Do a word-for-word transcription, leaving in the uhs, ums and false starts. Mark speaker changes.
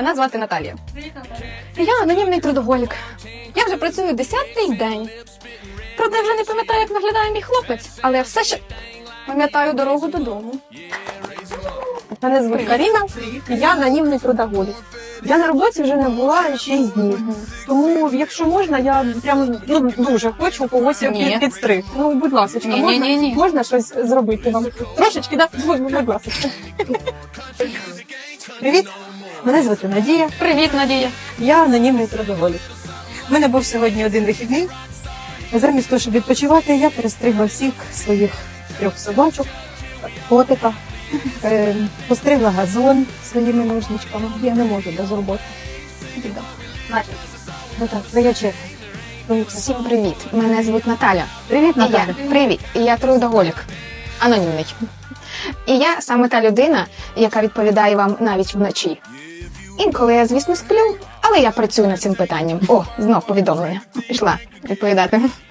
Speaker 1: Мене звати Наталія.
Speaker 2: Привіт, Наталя.
Speaker 1: Я анонімний трудоголік. Я вже працюю десятий день. Правда, я вже не пам'ятаю, як виглядає мій хлопець, але я все ще пам'ятаю дорогу додому.
Speaker 3: Мене звуть Каріна, і я анонімний трудоголік. Я на роботі вже не була шість днів. Тому, якщо можна, я прям ну, дуже хочу когось
Speaker 1: Ні.
Speaker 3: під, підстриг. Ну, будь ласка,
Speaker 1: Ні,
Speaker 3: можна,
Speaker 1: ні, ні, ні.
Speaker 3: можна щось зробити вам? Трошечки, да? Будь, будь ласка. Привіт, мене звати Надія.
Speaker 1: Привіт, Надія.
Speaker 3: Я анонімний трудоголік. У мене був сьогодні один вихідний. Замість того, щоб відпочивати, я перестригла всіх своїх трьох собачок, котика, е, постригла газон своїми ножничками. Я не можу без роботи. Ну так, твоя черга. Твоя черга.
Speaker 1: Всім привіт. Мене звуть Наталя.
Speaker 3: Привіт,
Speaker 1: І я,
Speaker 3: Наталя.
Speaker 1: привіт. І я трудоголік. Анонімний. І я саме та людина, яка відповідає вам навіть вночі. Інколи я, звісно, сплю, але я працюю над цим питанням. О, знов повідомлення. Пішла відповідати.